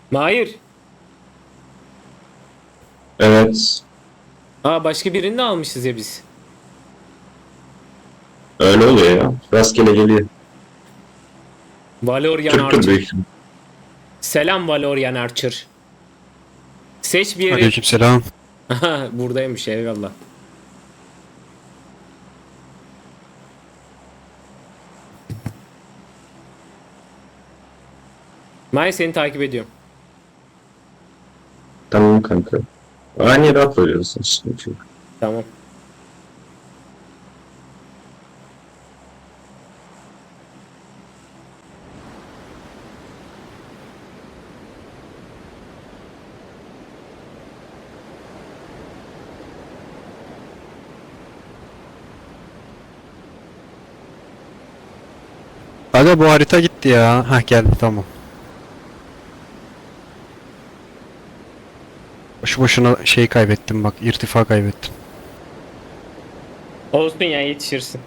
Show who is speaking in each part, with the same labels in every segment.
Speaker 1: Mahir.
Speaker 2: Evet.
Speaker 1: Aa, başka birini de almışız ya biz.
Speaker 2: Öyle oluyor ya. Rastgele geliyor.
Speaker 1: Valoryan
Speaker 2: Türktür büyük
Speaker 1: Archer.
Speaker 2: ihtimal.
Speaker 1: Selam Valoryan Archer. Seç bir yere.
Speaker 3: Aleykümselam.
Speaker 1: Aha, buradaymış, eyvallah. Mahir, seni takip ediyorum.
Speaker 2: Tamam kanka. Aynı yere atıyoruz. Sıkıntı yok.
Speaker 1: Tamam.
Speaker 3: Aga bu harita gitti ya. Hah geldi tamam. Boşu boşuna şey kaybettim bak. İrtifa kaybettim.
Speaker 1: Olsun ya, yetişirsin.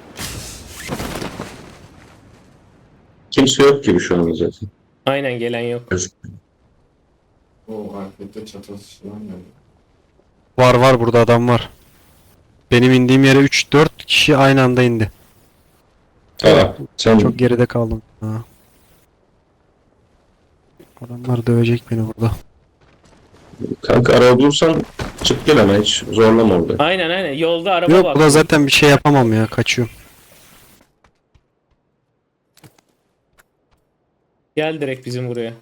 Speaker 2: Kimse yok gibi şu an zaten.
Speaker 1: Aynen, gelen yok.
Speaker 2: Gözükmüyor.
Speaker 4: O markette çatası falan geldi.
Speaker 3: Var burada adam var. Benim indiğim yere 3-4 kişi aynı anda indi.
Speaker 2: Aa, sen
Speaker 3: Çok geride kaldım. Ha. Adamlar dövecek beni burada.
Speaker 2: kanka araba bulursan çık gel ama hiç zorlama orada.
Speaker 1: Aynen, yolda araba
Speaker 3: Yok
Speaker 1: var.
Speaker 3: burada zaten bir şey yapamam ya. Kaçıyorum.
Speaker 1: Gel direkt bizim buraya.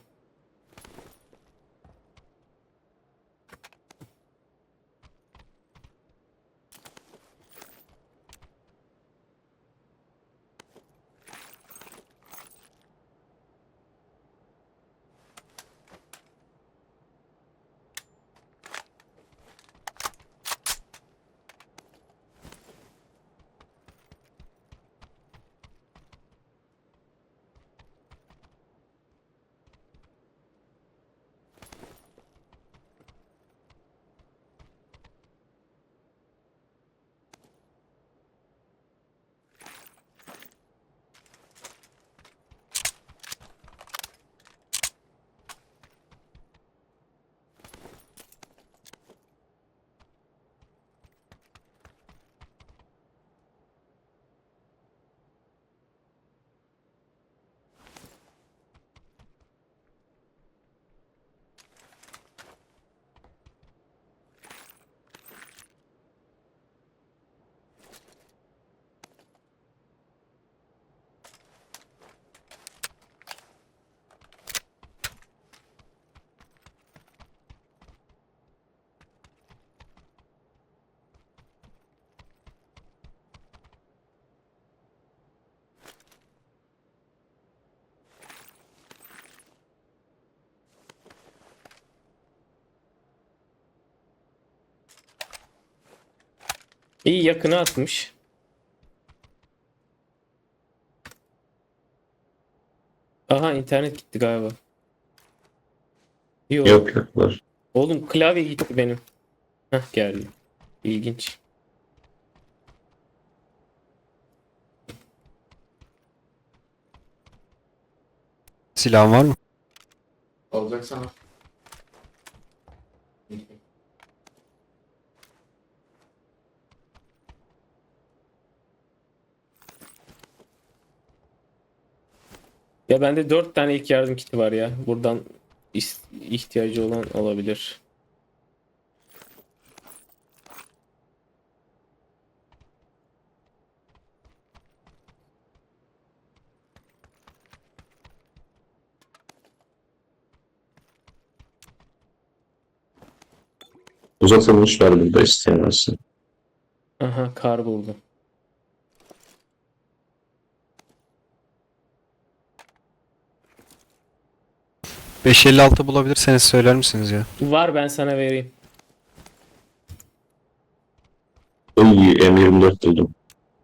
Speaker 1: İyi, yakına atmış. Aha, internet gitti galiba. Yok.
Speaker 2: Yok var.
Speaker 1: Oğlum, klavye gitti benim. Hah, geldi. İlginç.
Speaker 3: Silahın var mı?
Speaker 4: Alacaksan al.
Speaker 1: Ya bende 4 tane ilk yardım kiti var ya. Buradan ihtiyacı olan olabilir.
Speaker 2: Uzatılmış var burada isteyen varsa.
Speaker 1: Aha, kar buldum.
Speaker 3: .556 bulabilirseniz söyler misiniz ya?
Speaker 1: Var, ben sana vereyim.
Speaker 2: İyi M24 buldum.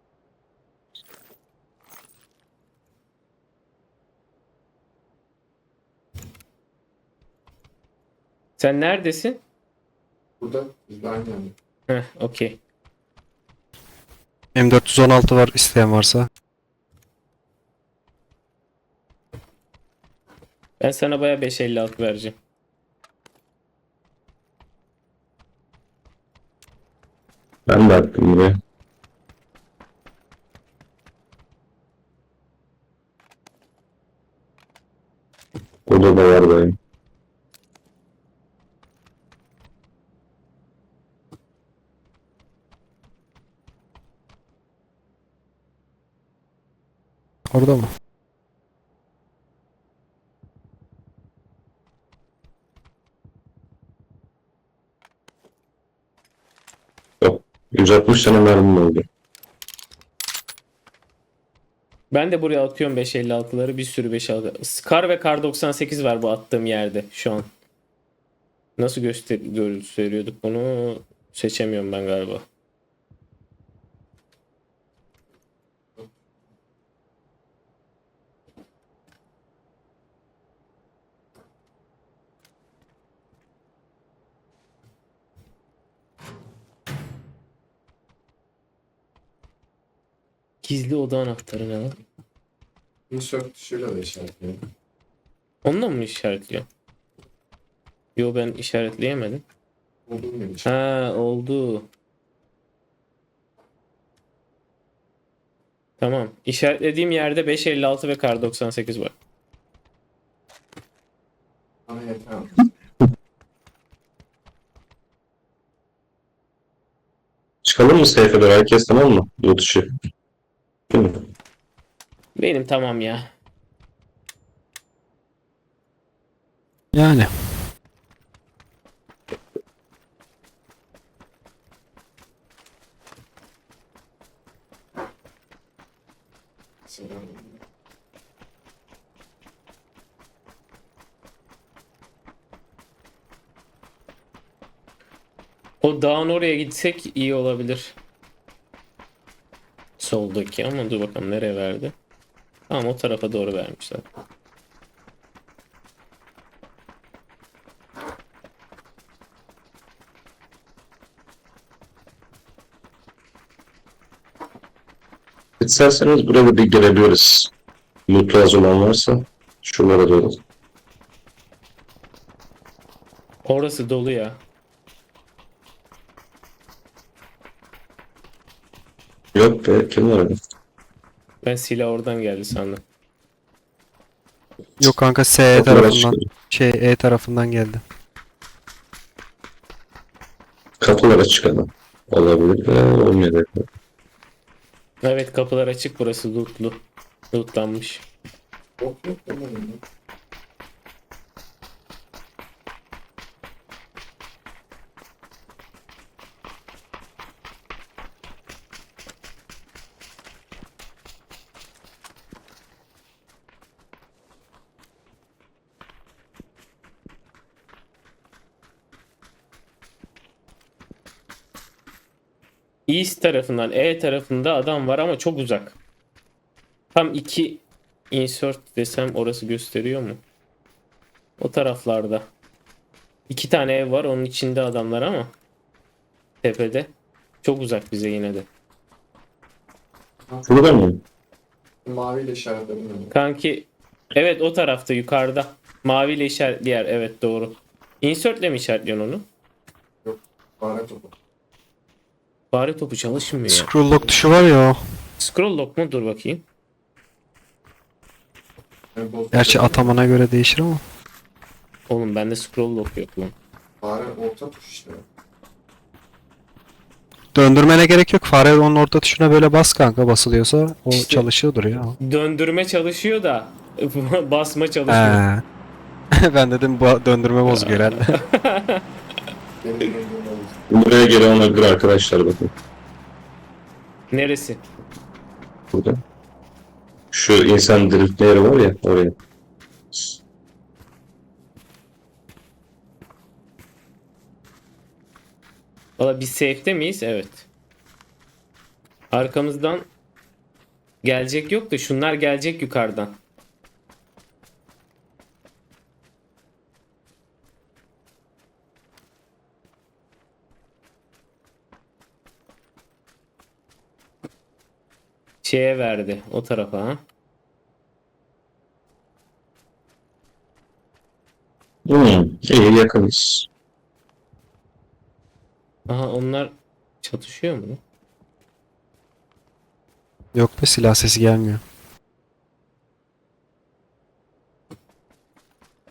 Speaker 1: Sen neredesin?
Speaker 4: Burada biz de aynı yerde.
Speaker 1: Heh, okey.
Speaker 3: M416 var isteyen varsa.
Speaker 1: Ben sana baya 556 vereceğim.
Speaker 2: Burada da var benim.
Speaker 3: Orada mı?
Speaker 2: Yok. 160 tane mermim oldu.
Speaker 1: Ben de buraya atıyorum 5.56'ları, bir sürü 5.56. Scar ve Kar 98 var bu attığım yerde şu an. Nasıl gösteriyorduk bunu? Seçemiyorum ben galiba. Gizli oda anahtarı ne lan?
Speaker 4: Insert tuşuyla da işaretliyor.
Speaker 1: Onunla mı işaretliyor? Yo, ben işaretleyemedim.
Speaker 4: Olduğum gibi.
Speaker 1: Ha, oldu. Tamam. İşaretlediğim yerde 5.56 ve Kar 98 var.
Speaker 4: Bana yeter.
Speaker 2: Çıkalım mı seyfe doğru? Herkes tamam mı? Loot işi. Değil mi?
Speaker 1: Benim tamam ya.
Speaker 3: Yani.
Speaker 4: Selam.
Speaker 1: O dağın oraya gitsek iyi olabilir. Soldaki ama dur bakalım nereye verdi. Tamam, o tarafa doğru vermişler.
Speaker 2: İsterseniz burada bir gelebiliriz. Loot lazım olan varsa şuralara doğru.
Speaker 1: Orası dolu ya.
Speaker 2: Yok be, kim var orada?
Speaker 1: Ben silah oradan geldi sandım.
Speaker 3: Yok kanka S
Speaker 2: Kapılara
Speaker 3: tarafından.
Speaker 2: çıkalım.
Speaker 3: Şey E tarafından geldi.
Speaker 2: Kapılara çıkalım. Olabilir ve olmayabilir.
Speaker 1: Evet, kapılar açık, burası lootlu. Lootlanmış.
Speaker 4: Yok yok demedim.
Speaker 1: East tarafından, E tarafında adam var ama çok uzak. Tam iki insert desem orası gösteriyor mu? O taraflarda. İki tane ev var, onun içinde adamlar ama tepede. Çok uzak bize yine de.
Speaker 2: Burada mı?
Speaker 4: Maviyle işaretledim yani.
Speaker 1: Kanki, evet, o tarafta yukarıda. Maviyle işaretli yer, evet doğru. Insert'le mi işaretliyorsun onu?
Speaker 4: Fare topu.
Speaker 1: Fare topu çalışmıyor ya.
Speaker 3: Scroll lock tuşu var ya o.
Speaker 1: Scroll lock mu? Dur bakayım.
Speaker 4: Yani bozuk
Speaker 3: Gerçi
Speaker 4: değil.
Speaker 3: atamana göre değişir ama.
Speaker 1: Oğlum bende scroll lock yok lan.
Speaker 4: Fare orta tuş işte.
Speaker 3: Döndürmene gerek yok. Fare onun orta tuşuna böyle bas kanka, basılıyorsa o
Speaker 1: İşte-
Speaker 3: çalışıyordur ya.
Speaker 1: Döndürme çalışıyor da basma çalışmıyor.
Speaker 3: He. Ben dedim bu döndürme bozuluyor herhalde.
Speaker 4: Benim döndüğüm oldu.
Speaker 2: Buraya gelen olabilir arkadaşlar bakın.
Speaker 1: Neresi?
Speaker 2: Burada. Şu insan diriltme yeri var ya oraya.
Speaker 1: Valla biz safe'te miyiz? Evet. Arkamızdan gelecek yok da şunlar gelecek yukarıdan. Şeye verdi o tarafa ha.
Speaker 2: İyi yakınız.
Speaker 1: Aha, onlar çatışıyor mu lan?
Speaker 3: Yok be, silah sesi gelmiyor.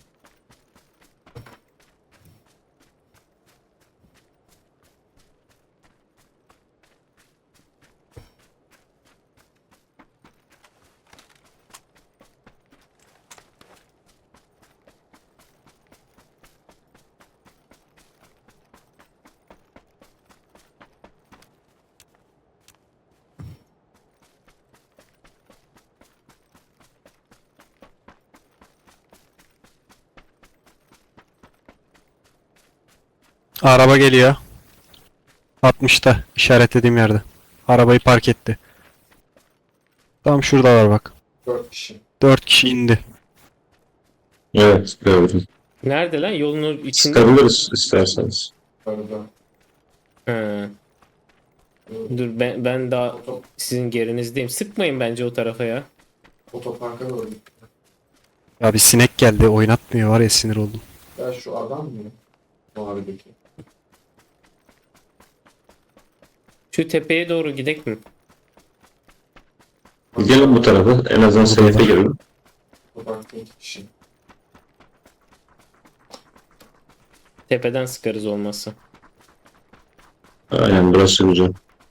Speaker 3: Araba geliyor. 60'ta işaretlediğim yerde. Arabayı park etti. Tam şuradalar bak.
Speaker 4: 4 kişi.
Speaker 3: 4 kişi indi.
Speaker 2: Evet gördüm.
Speaker 1: Nerede lan? Yolun içinde.
Speaker 2: Sıkabiliriz isterseniz.
Speaker 4: Arada.
Speaker 1: Ha. Dur ben daha sizin gerinizdeyim. Sıkmayın bence o tarafa ya.
Speaker 4: Otoparka doğru gitti.
Speaker 3: Ya bir sinek geldi oynatmıyor var ya sinir oldum.
Speaker 4: Ya şu adam mı? Mavideki.
Speaker 1: Şu tepeye doğru gidek mi?
Speaker 2: Gelin bu tarafa. En azından safe'e girelim.
Speaker 4: Otoparkta 2 kişi.
Speaker 1: Tepeden sıkarız olmazsa.
Speaker 2: Aynen burası güzel.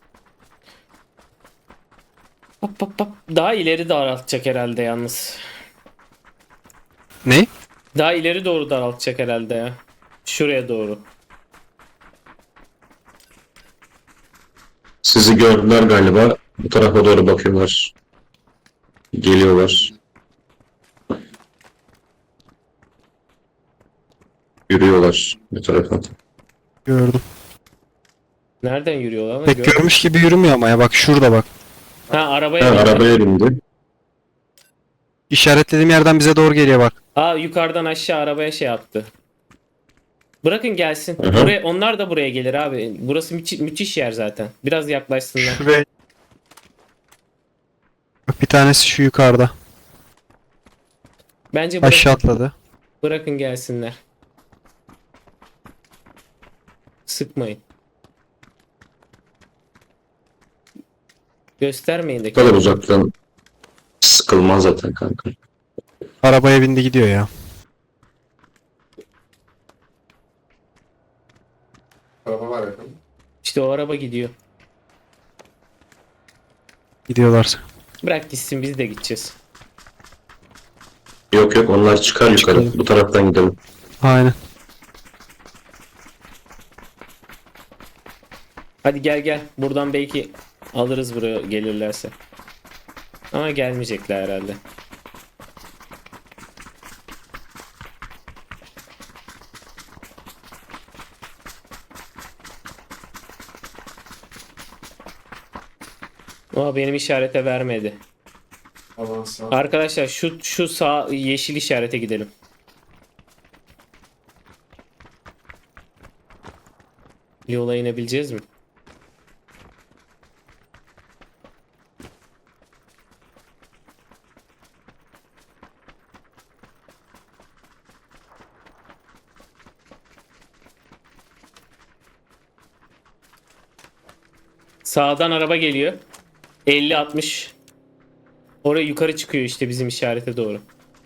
Speaker 1: Hop hop hop. Daha ileri daraltacak herhalde yalnız.
Speaker 3: Ne?
Speaker 1: Daha ileri doğru daraltacak herhalde ya. Şuraya doğru.
Speaker 2: Sizi gördüler galiba. Bu tarafa doğru bakıyorlar. Geliyorlar. Yürüyorlar bu tarafa.
Speaker 3: Gördüm.
Speaker 1: Nereden yürüyorlar lan?
Speaker 3: Pek görmüş gibi yürümüyor ama ya bak şurada bak.
Speaker 1: Ha
Speaker 2: Ha,
Speaker 1: arabaya bindi.
Speaker 2: arabaya bindi.
Speaker 3: İşaretlediğim yerden bize doğru geliyor bak.
Speaker 1: Aa yukarıdan aşağı arabaya şey yaptı. Bırakın gelsin.
Speaker 2: Hı hı.
Speaker 1: Buraya, onlar da buraya gelir abi. Burası müthiş yer zaten. Biraz yaklaşsınlar.
Speaker 3: Şuraya. Bak bir tanesi şu yukarıda.
Speaker 1: Bence
Speaker 3: Aşağı atladı.
Speaker 1: bırakın gelsinler. Sıkmayın. Göstermeyin de.
Speaker 2: Bu kadar uzaktan sıkılmaz zaten kanka.
Speaker 3: Arabaya bindi gidiyor ya.
Speaker 4: Araba var yakın.
Speaker 1: İşte o araba gidiyor.
Speaker 3: Gidiyorlar.
Speaker 1: Bırak gitsin biz de gideceğiz.
Speaker 2: Yok yok onlar çıkar yukarı.
Speaker 3: Çıkalım.
Speaker 2: Bu taraftan gidelim.
Speaker 3: Aynen.
Speaker 1: Hadi gel gel. Buradan belki alırız buraya gelirlerse. Ama gelmeyecekler herhalde. Ama benim işarete vermedi.
Speaker 4: Avansa.
Speaker 1: Arkadaşlar şu sağ yeşil işarete gidelim. Yola inebileceğiz mi? Sağdan araba geliyor. 50-60. Oraya yukarı çıkıyor işte bizim işarete doğru.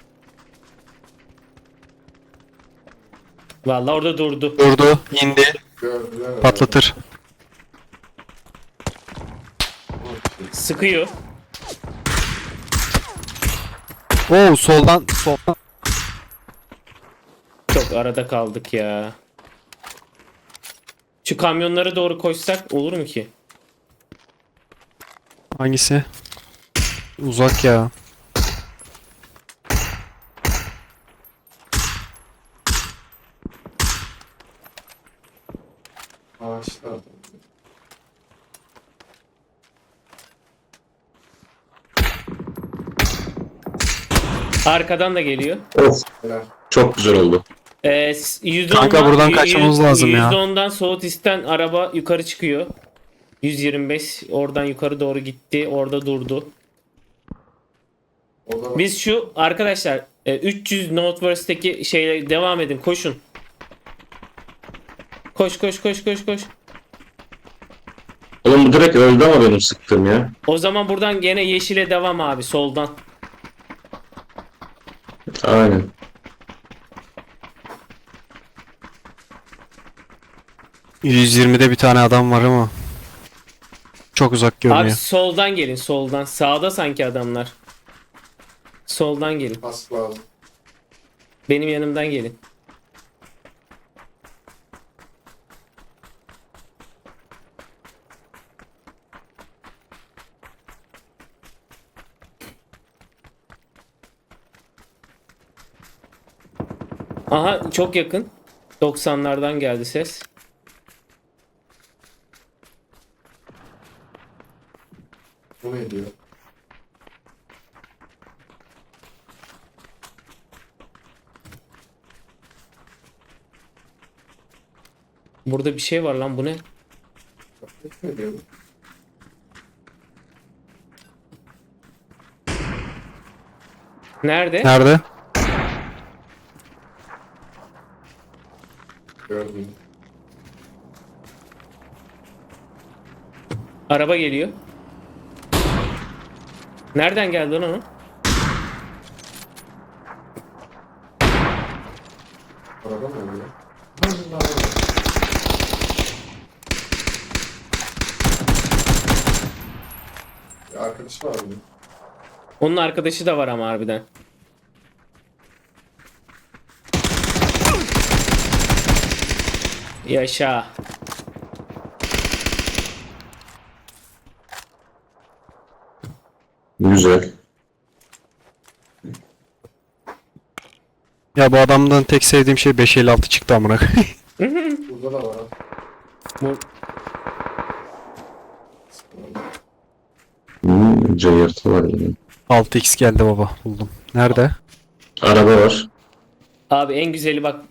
Speaker 1: Vallahi orada durdu.
Speaker 3: Durdu. indi.
Speaker 4: Gördüler herhalde.
Speaker 3: Patlatır.
Speaker 4: Okey.
Speaker 1: Sıkıyor.
Speaker 3: Oo soldan.
Speaker 1: Çok arada kaldık ya. Şu kamyonlara doğru koşsak olur mu ki?
Speaker 3: Hangisi? Uzak ya.
Speaker 4: Ağaçlar.
Speaker 1: Arkadan da geliyor.
Speaker 2: Of
Speaker 4: Helal.
Speaker 2: çok güzel oldu.
Speaker 3: Kanka buradan kaçmamız lazım ya.
Speaker 1: %10'dan Southeast'ten araba yukarı çıkıyor. 125 oradan yukarı doğru gitti. Orada durdu.
Speaker 4: O da
Speaker 1: Biz şu arkadaşlar 300 Northwest'teki şeyle devam edin. Koşun. Koş koş koş koş koş.
Speaker 2: Oğlum bu direkt öldü ama benim sıktığım ya.
Speaker 1: O zaman buradan gene yeşile devam abi soldan.
Speaker 2: Aynen.
Speaker 3: %120'de bir tane adam var ama. Çok uzak görünüyor.
Speaker 1: Abi soldan gelin soldan. Sağda sanki adamlar. Soldan gelin.
Speaker 4: pas lazım.
Speaker 1: Benim yanımdan gelin. Aha çok yakın. 90'lardan geldi ses. Burada bir şey var lan, bu ne?
Speaker 4: Ne diyor bu?
Speaker 1: Nerede?
Speaker 3: Nerede?
Speaker 4: Gördüm.
Speaker 1: Araba geliyor. Nereden geldi lan o?
Speaker 4: Araba mı oluyor? Allah. Bir arkadaş var mı?
Speaker 1: Onun arkadaşı da var ama harbiden. Yaşa.
Speaker 2: Güzel.
Speaker 3: Ya bu adamdan tek sevdiğim şey 556 çıktı amına koyayım.
Speaker 4: Burada da var. ha.
Speaker 1: Bu
Speaker 2: Cayırtı var yine.
Speaker 3: 6x geldi baba, buldum. Nerede?
Speaker 2: Araba var.
Speaker 1: abi en güzeli bak,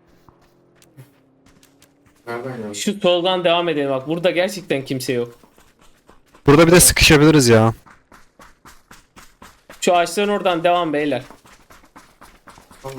Speaker 4: Nereden geldi?
Speaker 1: şu soldan devam edelim bak. Burada gerçekten kimse yok.
Speaker 3: Burada bir de sıkışabiliriz ya.
Speaker 1: Şu ağaçların oradan devam beyler.
Speaker 4: Tamam.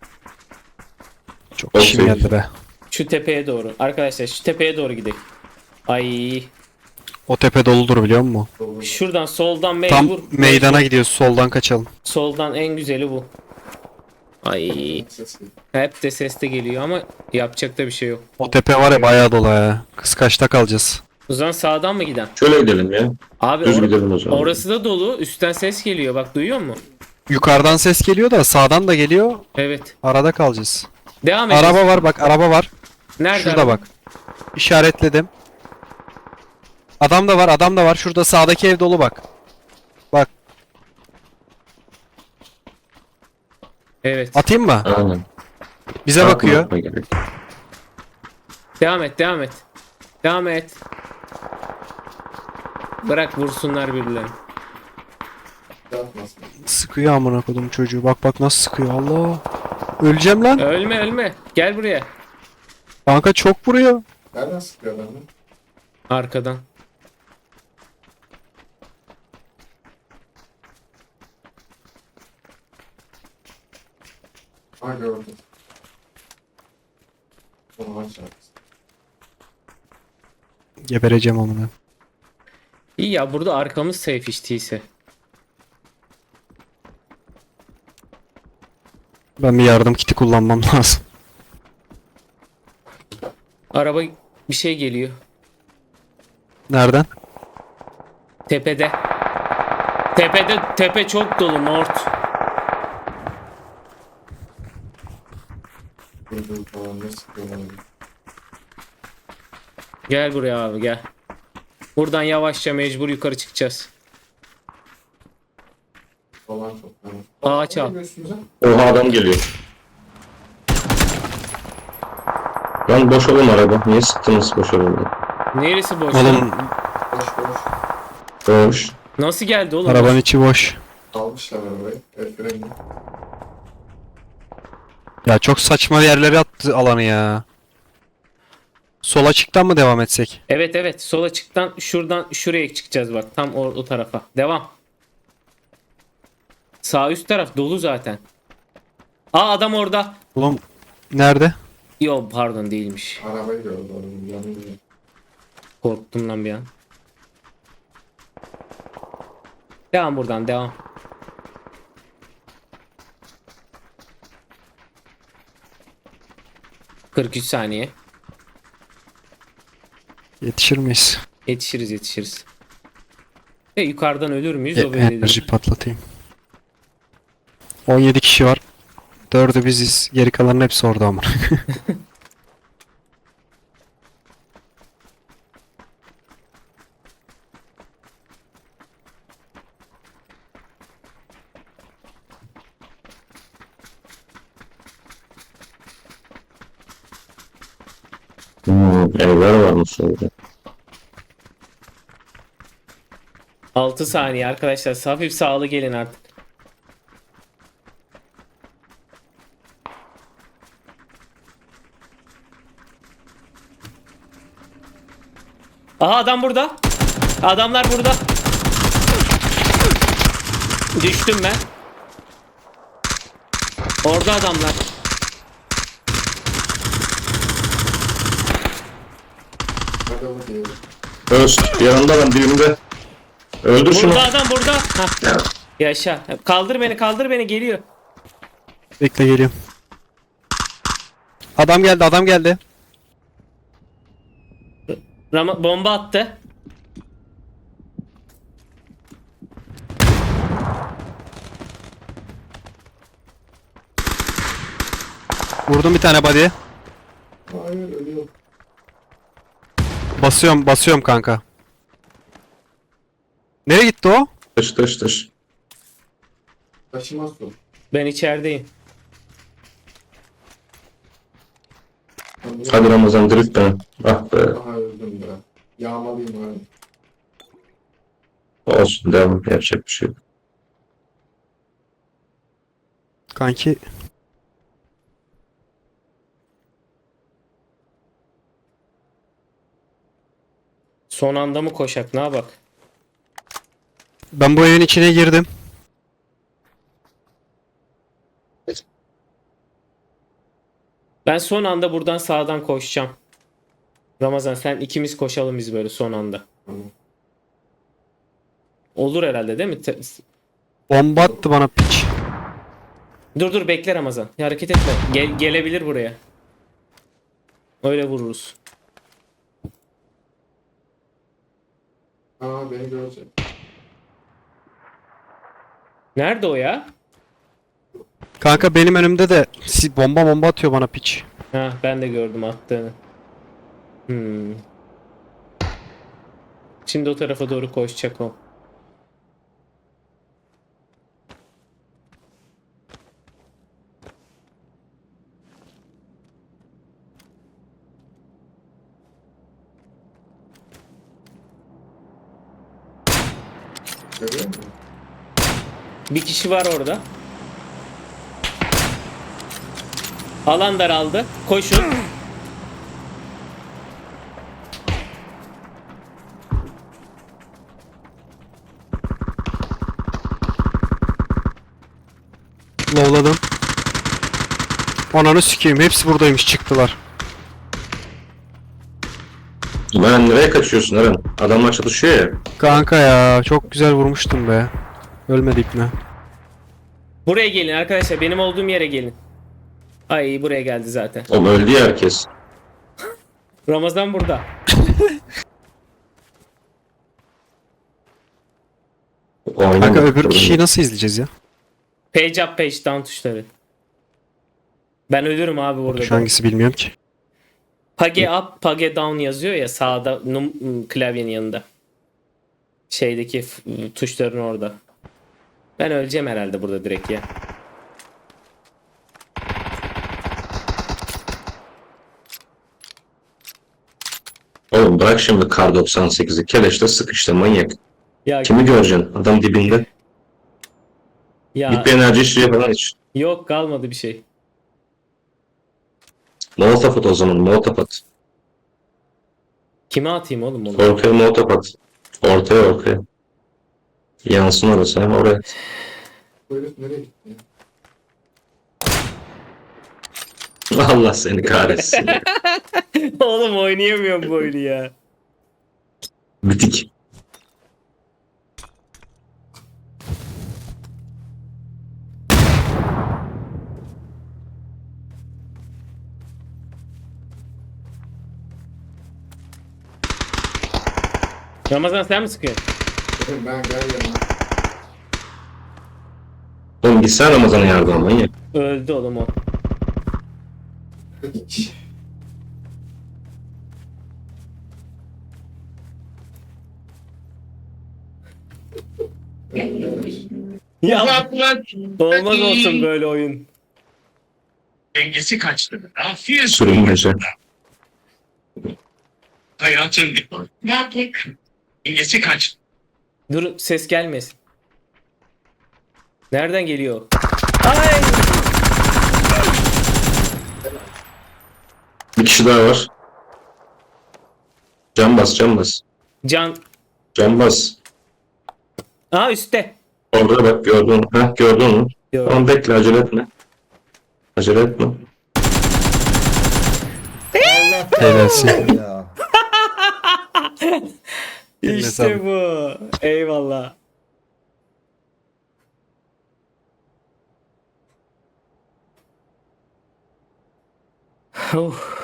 Speaker 3: Çok
Speaker 2: Çok
Speaker 3: işim
Speaker 2: sevdim.
Speaker 3: geldi be.
Speaker 1: Şu tepeye doğru. Arkadaşlar şu tepeye doğru gidelim. Ay,
Speaker 3: O tepe doludur biliyor musun?
Speaker 4: Dolu.
Speaker 1: şuradan soldan
Speaker 3: Tam
Speaker 1: mecbur.
Speaker 3: meydana gidiyoruz, soldan kaçalım.
Speaker 1: Soldan en güzeli bu. Ay,
Speaker 4: Ses geliyor.
Speaker 1: hep de ses de geliyor ama yapacak da bir şey yok.
Speaker 3: O tepe var ya, bayağı dolu ya. Kız kaçta kalacağız?
Speaker 1: O zaman sağdan mı giden?
Speaker 2: Şöyle gidelim ya.
Speaker 1: Abi
Speaker 2: Düz gidelim o zaman.
Speaker 1: orası da dolu. Üstten ses geliyor. Bak, duyuyor musun?
Speaker 3: Yukarıdan ses geliyor da sağdan da geliyor.
Speaker 1: Evet.
Speaker 3: Arada kalacağız.
Speaker 1: Devam et.
Speaker 3: Araba var bak, araba var.
Speaker 1: Nerede
Speaker 3: Şurada
Speaker 1: araba?
Speaker 3: bak. İşaretledim. Adam da var, adam da var. Şurada sağdaki ev dolu bak. Bak,
Speaker 1: Evet.
Speaker 3: atayım mı?
Speaker 2: Aynen.
Speaker 3: Bize bakıyor.
Speaker 2: Atma gerek.
Speaker 1: Devam et, devam et. Devam et. Bırak vursunlar birbirlerini.
Speaker 4: Yapmasın.
Speaker 3: Sıkıyor amına kodum çocuğu. Bak bak nasıl sıkıyor. Allah. Öleceğim lan.
Speaker 1: Ölme, ölme. Gel buraya.
Speaker 3: Kanka çok vuruyor.
Speaker 4: Nereden sıkıyor adamı?
Speaker 1: Arkadan.
Speaker 4: Ha gördüm. Onu aç artık.
Speaker 3: Gebereceğim amına.
Speaker 1: İyi ya, burada arkamız safe hiç değilse.
Speaker 3: Ben bir yardım kiti kullanmam lazım.
Speaker 1: Araba bir şey geliyor.
Speaker 3: Nereden?
Speaker 1: Tepede. Tepede, tepe çok dolu Mort.
Speaker 4: Gördüm falan ne sıkıyorlar.
Speaker 1: Gel buraya abi, gel. Buradan yavaşça mecbur yukarı çıkacağız.
Speaker 4: Falan çok. Yani.
Speaker 1: Ağaç al.
Speaker 4: Üstümüze.
Speaker 2: Oha adam geliyor. Lan boşalım araba. Niye sıktınız boşalım?
Speaker 1: Neresi boş?
Speaker 3: Oğlum
Speaker 4: Boş boş.
Speaker 2: Boş.
Speaker 1: Nasıl geldi oğlum?
Speaker 3: arabanın içi boş.
Speaker 4: Almışlar arabayı. El freni.
Speaker 3: Ya çok saçma yerlere attı alanı ya. Sol açıktan mı devam etsek?
Speaker 1: Evet, evet, sol açıktan şuradan şuraya çıkacağız bak, tam o tarafa. Devam. Sağ üst taraf dolu zaten. Aa, adam orada.
Speaker 3: Oğlum nerede?
Speaker 1: Yo, pardon, değilmiş.
Speaker 4: Arabayı gördü onun yanında.
Speaker 1: Korktum lan bir an. Devam buradan, devam. ...43 saniye.
Speaker 3: Yetişir miyiz?
Speaker 1: Yetişiriz, yetişiriz. Yukarıdan ölür müyüz, o belli
Speaker 3: Enerji
Speaker 1: değil.
Speaker 3: patlatayım. 17 kişi var. 4'ü biziz. Geri kalanın hepsi orada ama.
Speaker 2: Evler varmış orada.
Speaker 1: 6 saniye arkadaşlar, hafif sağlı gelin artık. Aha adam burada. Adamlar burada. Düştüm ben. Orada adamlar.
Speaker 4: Adamı değil.
Speaker 2: Öst. Yanında ben dibimde. Öldür şunu.
Speaker 1: Burada adam burada. Hah.
Speaker 2: Ya,
Speaker 1: Yaşa. Kaldır beni geliyor.
Speaker 3: Bekle geliyorum. Adam geldi adam geldi.
Speaker 1: Bomba attı.
Speaker 3: Vurdum bir tane body.
Speaker 4: Hayır ölüyor.
Speaker 3: Basıyorum kanka. Nereye gitti o?
Speaker 2: dış.
Speaker 4: Taşımaz su.
Speaker 1: Ben içerideyim.
Speaker 2: Hadi Ramazan drift ben. Ah be.
Speaker 4: Aha öldüm be. Yağmalıyım abi.
Speaker 2: Olsun devam. Yapacak bir şey yok.
Speaker 3: Kanki
Speaker 1: Son anda mı koşak? Ne bak?
Speaker 3: ben bu evin içine girdim.
Speaker 1: Ben son anda buradan sağdan koşacağım. Ramazan sen ikimiz koşalım biz böyle son anda.
Speaker 4: Tamam.
Speaker 1: Olur herhalde değil mi?
Speaker 3: Bomba attı bana piç.
Speaker 1: Dur bekle Ramazan. Hareket etme. Gelebilir buraya. Öyle vururuz.
Speaker 4: Aa beni görecek.
Speaker 1: Nerede o ya?
Speaker 3: Kanka benim önümde de bomba atıyor bana piç.
Speaker 1: Ha ben de gördüm attığını. Şimdi o tarafa doğru koşacak o.
Speaker 4: Görüyor musun?
Speaker 1: Bir kişi var orada. Alan daraldı. Koşun.
Speaker 3: Lovladım. Ananı sikeyim hepsi buradaymış çıktılar.
Speaker 2: Lan nereye kaçıyorsun Eren? Adamlar çatışıyor ya.
Speaker 3: Kanka ya çok güzel vurmuştum be. Ölmedik mi?
Speaker 1: Buraya gelin arkadaşlar. Benim olduğum yere gelin. Ay buraya geldi zaten.
Speaker 2: Oğlum öldü ya herkes.
Speaker 1: Ramazan burada.
Speaker 2: Oynama.
Speaker 3: Kanka öbür kişiyi nasıl izleyeceğiz ya?
Speaker 1: Page up page down tuşları. Ben ölürüm abi burada.
Speaker 3: Şu hangisi bilmiyorum ki.
Speaker 1: Page up, page down yazıyor ya sağda klavyenin yanında. Şeydeki tuşların orada. Ben öleceğim herhalde burada direkt ya.
Speaker 2: Oğlum bırak şimdi Kar 98'i. Keleşte sık işte manyak.
Speaker 1: Ya
Speaker 2: Kimi göreceksin? Adam dibinde.
Speaker 1: ya
Speaker 2: Git bir enerji işliği falan iç.
Speaker 1: yok kalmadı bir şey.
Speaker 2: Molotov at o zaman. Molotov at.
Speaker 1: Kime atayım oğlum onu?
Speaker 2: Ortaya molotov at. Ortaya. Yansın orası hem oraya.
Speaker 4: Bu herif nereye gitti ya?
Speaker 2: Allah seni kahretsin.
Speaker 1: Oğlum oynayamıyorum bu oyunu ya.
Speaker 2: Bitik.
Speaker 1: Ramazan sen mi sıkıyorsun?
Speaker 4: Ben gel yanına.
Speaker 2: Oğlum gitsene Ramazan'a yardım manyak.
Speaker 1: Öldü oğlum o.
Speaker 4: Hiç.
Speaker 1: Ya
Speaker 5: Uzatmak
Speaker 1: olmaz olsun böyle oyun.
Speaker 5: dengesi kaçtı. Ne yapıyorsun?
Speaker 2: Sürünmece.
Speaker 5: Hayatın ne yaptık? Dengesi kaçtı.
Speaker 1: Dur ses gelmesin. Nereden geliyor? Ay!
Speaker 2: Bir kişi daha var. Can bas.
Speaker 1: Can.
Speaker 2: Canbaz.
Speaker 1: Aa üstte.
Speaker 2: Orada bak gördün. Heh, gördün mü?
Speaker 1: Gördüm.
Speaker 2: Tamam bekle, acele etme. Acele etme.
Speaker 3: Helalsin.
Speaker 6: Ya.
Speaker 3: Eline
Speaker 1: İşte
Speaker 3: sağlık.
Speaker 1: bu. Eyvallah. Oh.